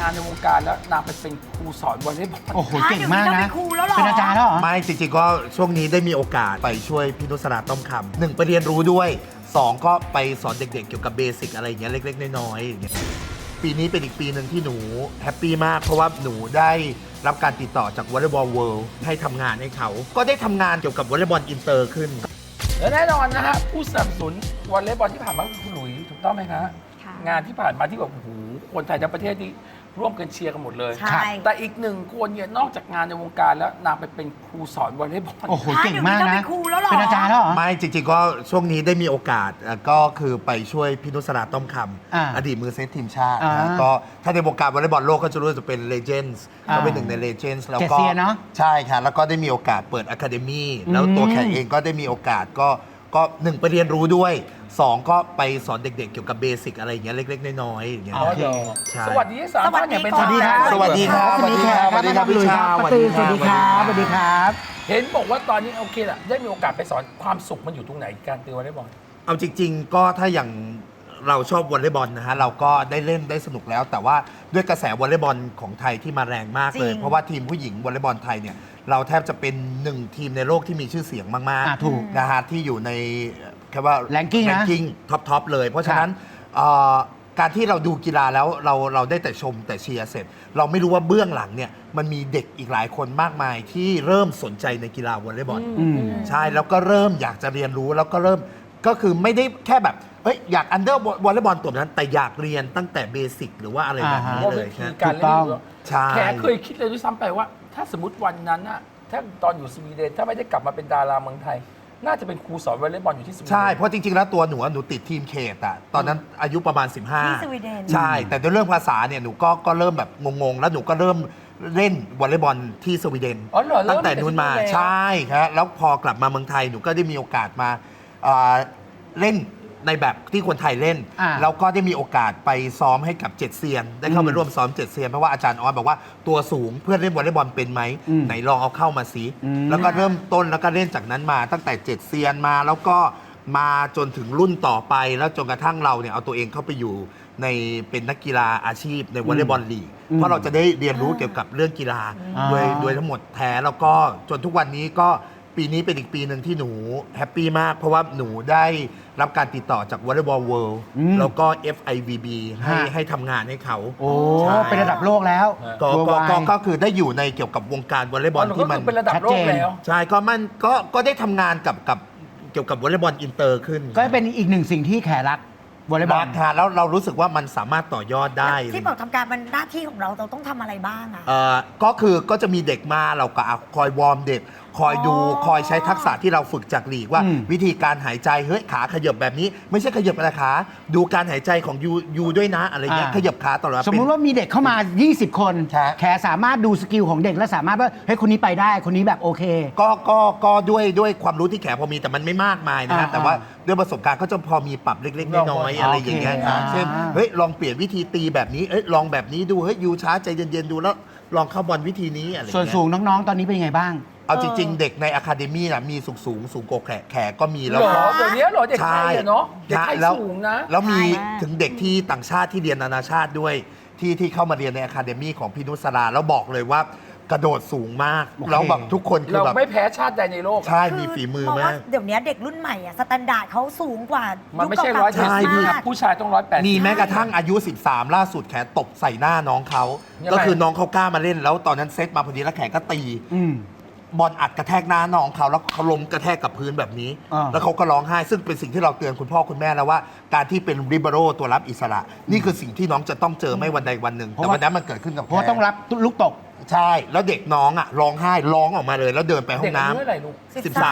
งานในวงการแล้วนางไปเป็นครูสอนวอลเลย์บอลโอ้โหเก่งมากนะเป็นครูแล้วเหรอเป็นอาจารย์แล้วเหรอไม่จริงๆก็ช่วงนี้ได้มีโอกาสไปช่วยพี่นุสราต้อมคำหนึ่งไปเรียนรู้ด้วยสองก็ไปสอนเด็กๆเกี่ยวกับเบสิกอะไรอย่างเงี้ยเล็กๆน้อยๆอย่างเงี้ยปีนี้เป็นอีกปีหนึ่งที่หนูแฮปปี้มากเพราะว่าหนูได้รับการติดต่อจากวอลเลย์บอลเวิลด์ให้ทำงานให้เขาก็ได้ทำงานเกี่ยวกับวอลเลย์บอลอินเตอร์ขึ้นและแน่นอนนะฮะผู้สนับสนุนวอลเลย์บอลที่ผ่านมาคือคุณหลุยถูกต้องไหมคะค่ะงานที่ผ่านมาที่แบบโอ้โหคนไทยทั้งประเทศที่ร่วมกันเชียร์กันหมดเลยใช่แต่อีกหนึ่งคนเนี่ยนอกจากงานในวงการแล้วนางไปเป็นครูสอนวอลเลย์บอลโอ้โหเก่งมากเดี๋ยวนี้นะต้องเป็นครูแล้วเหรอเป็นอาจารย์แล้วเหรอไม่จริงๆก็ช่วงนี้ได้มีโอกาสก็คือไปช่วยพี่นุสราต้อมคอ่าำอดีตมือเซตทีมชาติอ่านะก็ถ้าในวงการวอลเลย์บอลโลกก็จะรู้จะเป็นเลเจนด์อ่าเขาเป็นหนึ่งในเลเจนด์แล้วเจ็ดก็เซียนเนอะใช่ค่ะแล้วก็ได้มีโอกาสเปิดอะคาเดมี่แล้วตัวแขกเองก็ได้มีโอกาสก็หนึ่งไปเรียนรู้ด้วยสองก็ไปสอนเด็กๆเกี่ยวกับเบสิกอะไรอย่างเงี้ยเล็กๆน้อยๆอย่างเงี้ยอ๋อเหรอใช่สวัสดีทั้งสามท่านอย่างเป็นทางการสวัสดีครับสวัสดีครับสวัสดีครับพี่ชาป้ตือสวัสดีครับสวัสดีครับเห็นบอกว่าตอนนี้โอเคแหละได้มีโอกาสไปสอนความสุขมันอยู่ตรงไหนการตีวอลเลย์บอลเอาจริงๆ ก็ถ้าอย่างเราชอบวอลเลย์บอลนะฮะเราก็ได้เล่นได้สนุกแล้ว แต่ว่าด้วยกระแสวอลเลย์บอลของไทยที่มาแรงมากเลยจริงเพราะว่าทีมผู้หญิงวอลเลย์บอลไทยเนี่ยเราแทบจะเป็นหนึ่งทีมในโลกที่มีชื่อเสียงมากถูกๆนะฮะที่อยู่ในแค่ว่า Ranking นะท็อปเลย เพราะฉะนั้นการที่เราดูกีฬาแล้วเราได้แต่ชมแต่เชียร์เสร็จ เราไม่รู้ว่าเบื้องหลังเนี่ยมันมีเด็กอีกหลายคนมากมายที่เริ่มสนใจในกีฬาวอลเลย์บอลอืมใช่ แล้วก็เริ่มอยากจะเรียนรู้แล้วก็เริ่มก็คือไม่ได้แค่แบบเอ้ยอยากอันเดอร์วอลเลย์บอลตัวนั้น แต่อยากเรียนตั้งแต่เบสิกหรือว่าอะไรแบบนี้ว่าเลวิยธีครับการเล่นถูกต้องใช่แขกเคยคิดเลยด้วยซ้ำไปว่า ถ้าสมมติวันนั้นอะถ้าตอนอยู่สวีเดนถ้าไม่ได้กลับมาเป็นดาราเมืองไทย น่าจะเป็นครูสอนวอลเลย์บอลอยู่ที่สวีเดนใช่ เพราะจริง ๆ แล้วตัวหนูอะหนูติดทีมเขตอะตอนนั้นอายุประมาณ 15 ที่สวีเดนใช่ แต่ด้วยเรื่องภาษาเนี่ยหนูก็เริ่มแบบงงๆ แล้วหนูก็เริ่มเล่นวอลเลย์บอลที่สวีเดนอ๋อเหรอเริ่มตั้งแต่นู้นมาตั้งแต่ที่นู่นแล้วใช่ครับแล้วพอกลับมาเมืองไทยหนูก็ได้มีโอกาสมาเล่นในแบบที่คนไทยเล่นอ่าแล้วก็ได้มีโอกาสไปซ้อมให้กับเจ็ดเซียน ได้เข้าไปร่วมซ้อมเจ็ดเซียนเพราะว่าอาจารย์ออสบอกว่าตัวสูงเพื่อนเล่นวอลเลย์บอลเป็นไหมอืมไหนลองเอาเข้ามาสิอืมแล้วก็เริ่มต้นแล้วก็เล่นจากนั้นมาตั้งแต่เจ็ดเซียนมาแล้วก็มาจนถึงรุ่นต่อไปแล้วจนกระทั่งเราเนี่ยเอาตัวเองเข้าไปอยู่ในเป็นนักกีฬาอาชีพในวอลเลย์บอลลีกเพราะเราจะได้เรียนรู้เกี่ยวกับเรื่องกีฬาอ่าโดยทั้งหมดแท้แล้วก็จนทุกวันนี้ก็ปีนี้เป็นอีกปีหนึ่งที่หนูแฮปปี้มาก เพราะว่าหนูได้รับการติดต่อจากวอลเลย์บอลเวิลด์อืมแล้วก็ FIVB ให้ทำงานให้เขาโอ้ใช่เป็นระดับโลกแล้วก็ Worldwide ก็คือได้อยู่ในเกี่ยวกับวงการวอลเลย์บบออลลก็ที่มันคือเป็นระดับโลกแล้วใช่ก็ได้ทำงานกับเกี่ยวกับวอลเลย์บอลอินเตอร์ขึ้นก็เป็นอีกหนึ่งสิ่งที่แขรักวอลเลย์บอลรักค่ะแล้วเรารู้สึกว่ามันสามารถต่อยอดได้ที่บอกทำการมันหน้าที่ของเราต้องทำอะไรบ้างอะก็จะมีเด็กมาเราก็คอยวอร์มเด็ก คอยดูอ๋อคอยใช้ทักษะที่เราฝึกจากลีกว่าอืมวิธีการหายใจเฮ้ยขาขยับแบบนี้ ไม่ใช่ขยับแต่ขาดูการหายใจของยูด้วยนะอะไรเงี้ยขยับขาตลอดเวลาสมมุติว่ามีเด็กเข้ามา 20 คนใช่แขสามารถดูสกิลของเด็กและสามารถว่าเฮ้ยคนนี้ไปได้คนนี้แบบโอเคก็ด้วยความรู้ที่แขพอมีแต่มันไม่มากมายนะฮะอ่าแต่ว่าด้วยประสบการณ์ก็จะพอมีปรับเล็กๆน้อยๆอะไรอย่างเงี้ยครับโอเคเช่นเฮ้ยลองเปลี่ยนวิธีตีแบบนี้เอ้ยลองแบบนี้ดูเฮ้ยยูช้าใจเย็นๆดูแล้วลองเข้าบอลวิธีนี้อะไรอย่างส่วนเงี้ยสูงน้องๆ ตอนนี้เป็นยังไงบ้างเอาจริง ๆ เด็กในอะคาเดมี่นะมีสูงกว่าแขกก็มีเหแล้วรก็อเดี๋ยวนี้เหรอเด็กไทยอะเนาะเด็กไทยแล้วสูงนะแล้วมีใช่ถึงเด็กที่ต่างชาติที่เรียนนานาชาติด้วยที่เข้ามาเรียนในอะคาเดมี่ของพี่นุสราแล้วบอกเลยว่ากระโดดสูงมากโอเคแล้วแบบทุกคนคือเราแบบไม่แพ้ชาติใดในโลกอะใช่มีฝีมือเพราะมาว่าก เดี๋ยวนี้เด็กรุ่นใหม่อะสแตนดาร์ดเขาสูงกว่ามันไม่ใช่ยุคร้อยเก่าๆเจ็ดสิบมากผู้ชายต้อง180 มีแม้กระทั่งอายุ 13 ล่าสุดแขตบใส่หน้าน้องเขายังไงก็คือน้องเขากล้ามาเล่น แล้วตอนนั้นเซตมาพอดีแล้วแขก็ตีอืมบอลอัดกระแทกหน้าน้องเขาแล้วเขาล้มกระแทกกับพื้นแบบนี้อ่าแล้วเขาก็ร้องไห้ ซึ่งเป็นสิ่งที่เราเตือนคุณพ่อคุณแม่แล้วว่า การที่เป็นริเบโรตัวรับอิสระ นี่คือสิ่งที่น้องจะต้องเจอไม่วันใดวันหนึ่ง แต่วันนั้นมันเกิดขึ้นกับเพราะว่าแขต้องรับลูกตกใช่ แล้วเด็กน้องอ่ะร้องไห้ร้องออกมาเลย แล้วเดินไปห้อเด็กงอาน้ำยุเท่าไหร่ลูก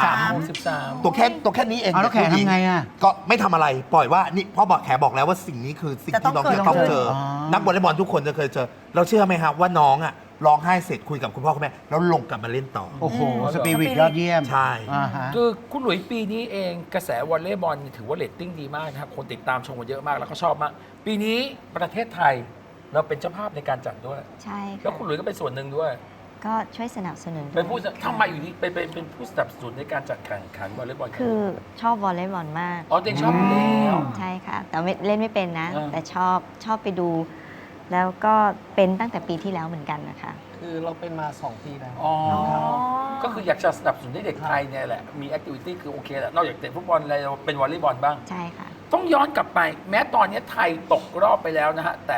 13 ตัวแค่นี้เองเอาแล้วแขกทำไงอะก็ไม่ทำอะไรปล่อยว่านี่พ่อบอกแขบอกแล้วว่าสิ่งนี้คือสิ่งที่น้องจะต้องเจออ๋อนักวอลเลย์บอลทุกคนจะเคยเจอ เราเชื่อไหมครับว่าน้องอ่ะร้องไห้เสร็จคุยกับคุณพ่อคุณแม่แล้วลงกลับมาเล่นต่อโอ้โหอืมสปิริตยอดเยี่ยมใช่อ่าฮะคือคุณหลุยปีนี้เองกระแสวอลเลย์บอลถือว่าเรตติ้งดีมากนะครับคนติดตามชมกันเยอะมากแล้วก็ชอบมาก ปีนี้ประเทศไทยเราเป็นเจ้าภาพในการจัดด้วยใช่แล้วค่ะคุณหลุยก็เป็นส่วนหนึ่งด้วยก็ช่วยสนับสนุนเป็นผู้ทำไมอยู่ดีเป็นผู้สนับสนุนในการจัดแข่งขันวอลเลย์บอลคือชอบวอลเลย์บอลมากอ๋อเด็กชอบอยู่แล้วใช่ค่ะ แต่ไม่เล่นไม่เป็นนะอ่าแต่ชอบไปดูแล้วก็เป็นตั้งแต่ปีที่แล้วเหมือนกันนะคะคือเราเป็นมา 2 ปีแล้วอ๋อก็คืออยากจะสนับสนุนให้เด็กไทยเนี่ยแหละมีแอคทิวิตี้คือโอเคแหละนอกจากเตะฟุตบอลอะไรเราเป็นวอลเลย์บอลบ้างใช่ค่ะต้องย้อนกลับไป แม้ตอนนี้ไทยตกรอบไปแล้วนะฮะ แต่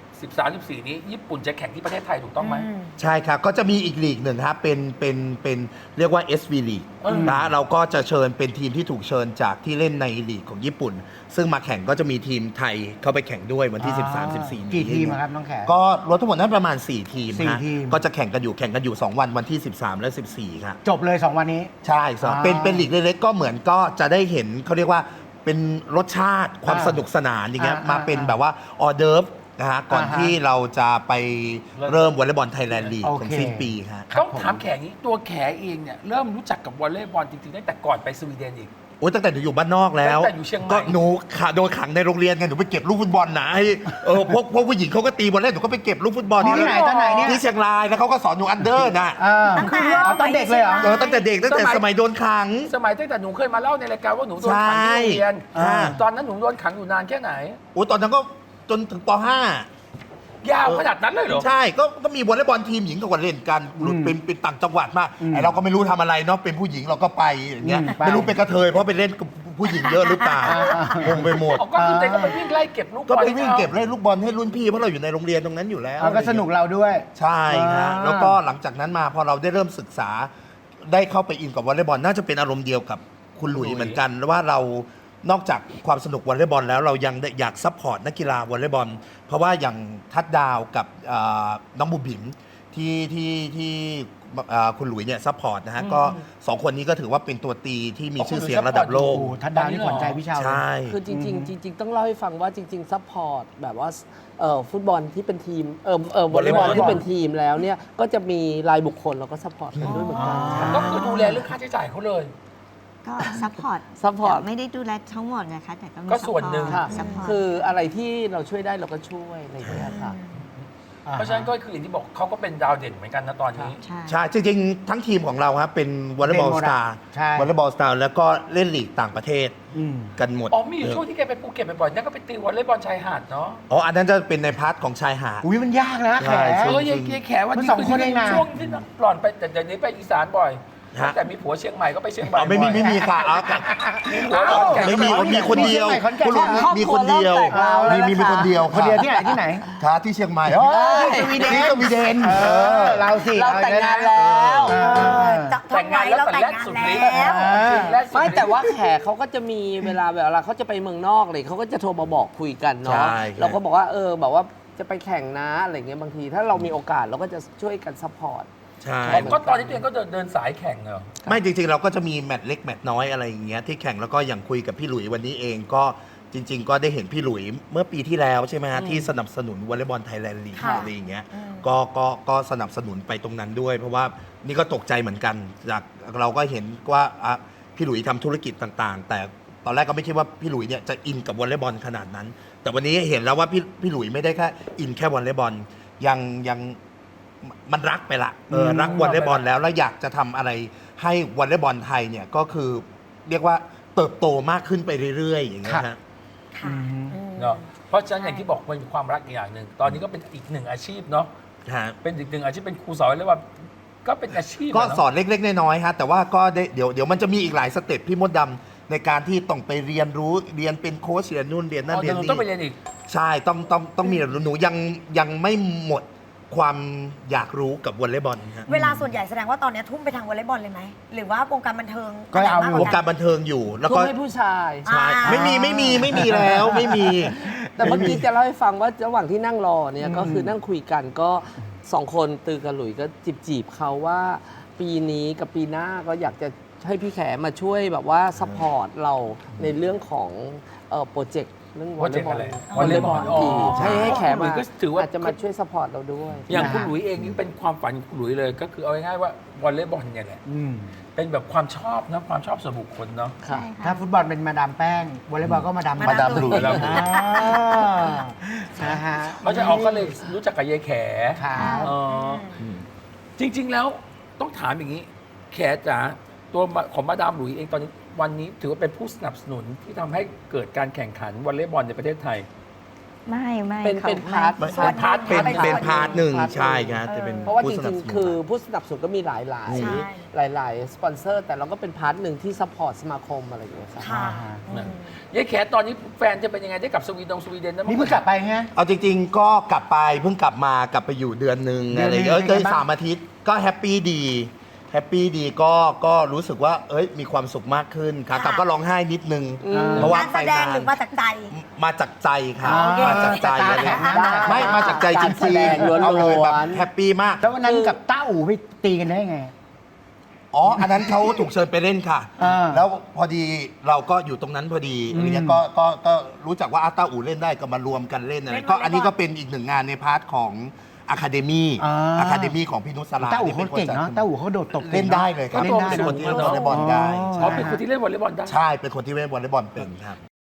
13-14 นี้ญี่ปุ่นจะแข่งที่ประเทศไทยถูกต้องไหมใช่ครับ ก็จะมีอีกลีกหนึ่งครับเป็นเรียกว่า SV League นะเราก็จะเชิญเป็นทีมที่ถูกเชิญจากที่เล่นในลีกของญี่ปุ่น ซึ่งมาแข่งก็จะมีทีมไทยเข้าไปแข่งด้วยวันที่ 13-14 กี่ทีมอะครับน้องแขกก็รวมทั้งหมดนั้นประมาณ 4 ทีมสี่ฮะทีมก็จะแข่งกันอยู่ 2 วันที่ 13 และ 14 ครับจบเลย 2 วันนี้ใช่ครับอ่าเป็นลีกเล็กๆก็เหมือนก็จะได้เห็นเขาเรียกว่าเป็นรสชาติความสนุกสนานอย่างเงี้ยมาเป็นแบบว่าออเดิร์ฟนะฮะก่อนที่เราจะไปเริ่มวอลเลย์บอลไทยแลนด์ลีกโอของเคสิ้นปีฮะต้องถามแขกนี้ตัวแขเองเนี่ยเริ่มรู้จักกับวอลเลย์บอลจริงๆตั้งแต่ก่อนไปสวีเดนอีกโอ้ยตั้งแต่หนูอยู่บ้านนอกแล้วตั้งแต่อยู่เชียงใหม่ก็หนูโดนขังในโรงเรียนไงหนูไปเก็บลูกฟุตบอลนะให้พวกผู้หญิงเขาก็ตีบอลเล่นหนูก็ไปเก็บลูกฟุตบอลที่ไหนตอนไหนเนี่ยที่เชียงรายแล้วเขาก็สอนหนูอันเดอร์นะตั้งแต่อ๋อตอนเด็กเลยเหรอตั้งแต่เด็กตั้งแต่สมัยโดนขังสมัยตั้งแต่หนูเคยมาเล่าในรายการว่าหนูโดนขังที่โรงเรียนใช่ตอนนั้นหนูโดนขังอยู่นานแค่ไหนโอ้ยตอนนั้นก็จนถึงป .5 ยาวขนาดนั้นเลยเหรอใช่ก็มีวอลเลย์บอลทีมหญิงกับเล่นกันเป็นต่างจังหวัดมากไอเราก็ไม่รู้ทำอะไรเนาะเป็นผู้หญิงเราก็ไปอย่างเงี้ยไปไม่รู้เป็นกระเทยเพราะไปเล่นกับผู้หญิงเยอะหรือเปล่า งงไปหมดอ๋อก็คือเด็กก็ไปวิ่งไล่เก็บลูกบก็อลไปวิ่งเก็บเล่นลูกบอลให้รุ่นพี่เพราะเราอยู่ในโรงเรียนตรงนั้นอยู่แล้วเอาก็สนุกเราด้วยใช่ครับอ่าแล้วก็หลังจากนั้นมาพอเราได้เริ่มศึกษาได้เข้าไปอินกับวอลเลย์บอลน่าจะเป็นอารมณ์เดียวกับคุณหลุยเหมือนกันว่าเรานอกจากความสนุกวอลเลย์บอลแล้วเรายังได้อยากซัพพอร์ตนักกีฬาวอลเลย์บอลเพราะว่าอย่างทัดดาวกับน้องบุ๋มบิ๋มที่คุณหลุยเนี่ยซัพพอร์ตนะฮะก็สองคนนี้ก็ถือว่าเป็นตัวตีที่มีชื่อเสียงระดับโลกโอ้ทัดดาวนี่ขวัญใจพี่ชาวเลยใช่คือจริงๆจริงๆต้องเล่าให้ฟังว่าจริงๆซัพพอร์ตแบบว่าฟุตบอลที่เป็นทีมวอลเลย์บอลที่เป็นทีมแล้วเนี่ยก็จะมีรายบุคคลเราก็ซัพพอร์ตกันด้วยเหมือนกันก็คือดูแลเรื่องค่าใช้จ่ายเขาเลยก็ซัพพอร์ต support ไม่ได้ดูแลทั้งหมดนะคะ แต่ก็มีก็ส่วนหนึ่งค่ะซัพพอร์ตคืออะไรที่เราช่วยได้เราก็ช่วยอะไรอย่างเงี้ยค่ะเพราะฉะนั้นก็คืออย่างที่บอกเขาก็เป็นดาวเด่นเหมือนกันนะตอนนี้ใช่ใช่จริงๆ ทั้งทีมของเราครับเป็นวอลเลย์บอลเป็นหมสดอะตาร์ใช่วอลเลย์บอลสตาร์แล้วก็เล่นลีกต่างประเทศอืมกันหมดอ๋อมีอยู่ช่วงที่แกไปภูเก็ตบ่อยๆนั่นก็ไปตีวอลเลย์บอลชายหาดเนาะอ๋ออันนั้นจะเป็นในพาร์ทของชายหาดอุ้ยมันยากนะแขใช่กใช่ยายแขวันนี้มันสองคนเองนะช่วงที่หล่อนไปแต่เดี๋ยวนี้ไปอีสานบ่อยฮะแต่มีผัวเชียงใหม่ก็ไปเชียงใหม่อ๋อไม่มีบ่อยไม่มีค่ะอ๋อมีผัวขอนแก่นไม่มีมีคนเดียวขอนแก่นคุณลุงครอบมีครัควนเดียวเริ่มแตกราวแล้วมีนะคะคนเดียวคนเดียวที่ไหนที่ไหนค่ะที่เชียงใหม่สวีเดนที่สวีเดนเราสิเราแต่งงานเอแล้วจะแต่งงานแล้วเราแต่แต่งแรกงานสุดแล้ฤทธิ์วแรกสุดฤทธิ์ไม่แต่ว่าแขกเขาก็จะมีเวลาเขาจะไปเมืองนอกเลยเขาก็จะโทรมาบอกคุยกันเนาะใช่เราก็บอกว่าบอกว่าจะไปแข่งนะอะไรเงี้ยบางทีถ้าเรามีโอกาสเราก็จะช่วยกันซัพพอร์ตใช่ก็ตอนนี้ตัวเองก็เดินสายแข่งเหรอไม่จริงๆ เราก็จะมีแมตช์เล็กแมตช์น้อยอะไรอย่างเงี้ยที่แข่งแล้วก็อย่างคุยกับพี่หลุยวันนี้เองก็จริง ๆ ก็ได้เห็นพี่หลุยเมื่อปีที่แล้วใช่ไหมฮะที่สนับสนุนวอลเลย์บอลไทยแลนด์ลีกค่ะอะไรอย่างเงี้ยก็สนับสนุนไปตรงนั้นด้วย เพราะว่านี่ก็ตกใจเหมือนกันจากเราก็เห็นว่าพี่หลุยทำธุรกิจต่างๆ แต่ตอนแรกก็ไม่คิดว่าพี่หลุยเนี่ยจะอินกับวอลเลย์บอลขนาดนั้น แต่วันนี้เห็นแล้วว่าพี่หลุยไม่ได้แค่อินแค่วอลเลย์บอลยังมันรักไปละรักวอลเลย์บอลแล้วอยากจะทำอะไรให้วอลเลย์บอลไทยเนี่ยก็คือเรียกว่าเติบโตมากขึ้นไปเรื่อยๆ อย่างเงี้ยฮะค่ะเนาะเพราะฉะนั้นอย่างที่บอกมันมีความรักอีกอย่างหนึ่งตอนนี้ก็เป็นอีกหนึ่งอาชีพเนาะฮะเป็นอีกหนึ่งอาชีพเป็นครูสอนเลยว่าก็เป็นอาชีพก็ะเาะสอนเล็กๆ น้อยๆฮะแต่ว่าก็ได้เดี๋ยวมันจะมีอีกหลายสเต็ปพี่มดดำในการที่ต้องไปเรียนรู้เรียนเป็นโค้ชเรียนนู่นเรียนนั่นอ๋อเรีเดี๋ยยวน หนูต้องไปนี่เรียนอีกใช่ต้องมีหนูยังไม่หมดความอยากรู้กับวอลเลย์บอลฮะเวลาส่วนใหญ่แสดงว่าตอนนี้ทุ่มไปทางวอลเลย์บอลเลยไหม หรือว่าวงการบันเทิงก็เอาอยู่วงการบันเทิงอยู่แล้วทุ่ก็มให้ผู้ชายใช่ไม่มีแล้วไม่มีแต่เมื่อกี้จะเล่าให้ฟังว่าระหว่างที่นั่งรอเนี่ยก็คือนั่งคุยกันก็สองคนตือกับหลุยก็จีบเขาว่าปีนี้กับปีหน้าก็อยากจะให้พี่แขมาช่วยแบบว่าซัพพอร์ตเราในเรื่องของโปรเจกต์เรื่องวอลเลย์บอลวอลเลย์บอลอ๋อให้แขหลุมายก็ถือว่าอาจจะมาช่วยซัพพอร์ตเราด้วยอย่างคุณหลุยเองนี่เป็นความฝันของคุณหลุยเลย ก็คือเอาง่ายๆว่าวอลเลย์บอลเนี่ยแหละอืมเป็นแบบความชอบนะความชอบส่วนบุคคลเนาะค่ะใช่ถ้าค่ะฟุตบอลเป็นมาดามแป้งวอลเลย์บอลก็มาดามมาดามหลุยมาดามหลุยนะฮะเพราะฉะนั้นออกก็เลยรู้จักกับยายแขครับอ๋อจริง ๆ แล้วต้องถามอย่างนี้ แขจ๋าตัวของมาดามหลุยเองตอนนี้วันนี้ถือว่าเป็นผู้สนับสนุนที่ทำให้เกิดการแข่งขันวอลเลย์บอลในประเทศไทยไม่เป็นค่ะเป็นพาร์ทไม่ส่วนพาร์ทเป็นเป็นเป็นพาร์ทหนึ่งพาร์ทหนึ่งใช่ครับจะเป็นเพราะว่าผู้จสนัริบงสนุนๆ คือผู้สนับสนุนก็มีหลายใช่หลายสปอนเซอร์ แต่เราก็เป็นพาร์ทหนึ่งที่ซัพพอร์ตสมาคมอะไรอย่างเงี้ยครับค่ะอืมยายแขตอนนี้แฟนจะเป็นยังไงได้กลับสวีเดนได้มั้ยนี่เพิ่งกลับไปฮะเอาจริงๆ ก็กลับไปเพิ่งกลับมากลับไปอยู่เดือนหนึ่งเดือนอะไรหนึ่งเอ้ยเป็นไงบ้าง 3 อาทิตย์ก็แฮปปี้ดีก็รู้สึกว่าเอ้ยมีความสุขมากขึ้นขากลับก็ร้องไห้นิดนึง เพราะว่าการไปแสดงนานหรือมาจากใจมาจากใจค่ะอ๋อมาจากใจตาอะไรแข็งเงี้ยไม่มาจากใจจการแสริงดงๆเอาเลยแบบล้วนๆแฮปปี้มากแล้ววันนั้นกับต้าอู่ไปตีกันได้ไงอ๋อ อันนั้นเขาถูกเชิญไปเล่นค่ะอ่าแล้วพอดีเราก็อยู่ตรงนั้นพอดีอะไรเงี้ยก็รู้จักว่าอาต้าอู่เล่นได้ก็มารวมกันเล่นอะไรเล่นก็วอลเลย์บอลอันนี้ก็เป็นอีกหนึ่งงานในพาร์ทของอะคาเดมี่อ่าอะคาเดมี่ของพี่นุชสราต้าอู่เขาเก่งเนาะต้าอู่เขาโดดตบเล่นได้เลยครับเล่นได้เป็นเนคอะนที่เล่นวอลเลย์บอลได้อ๋อเป็นคนที่เล่นวอลเลย์บอลได้ใช่เป็นคนที่เล่นวอลเลย์บอลเป็นครับ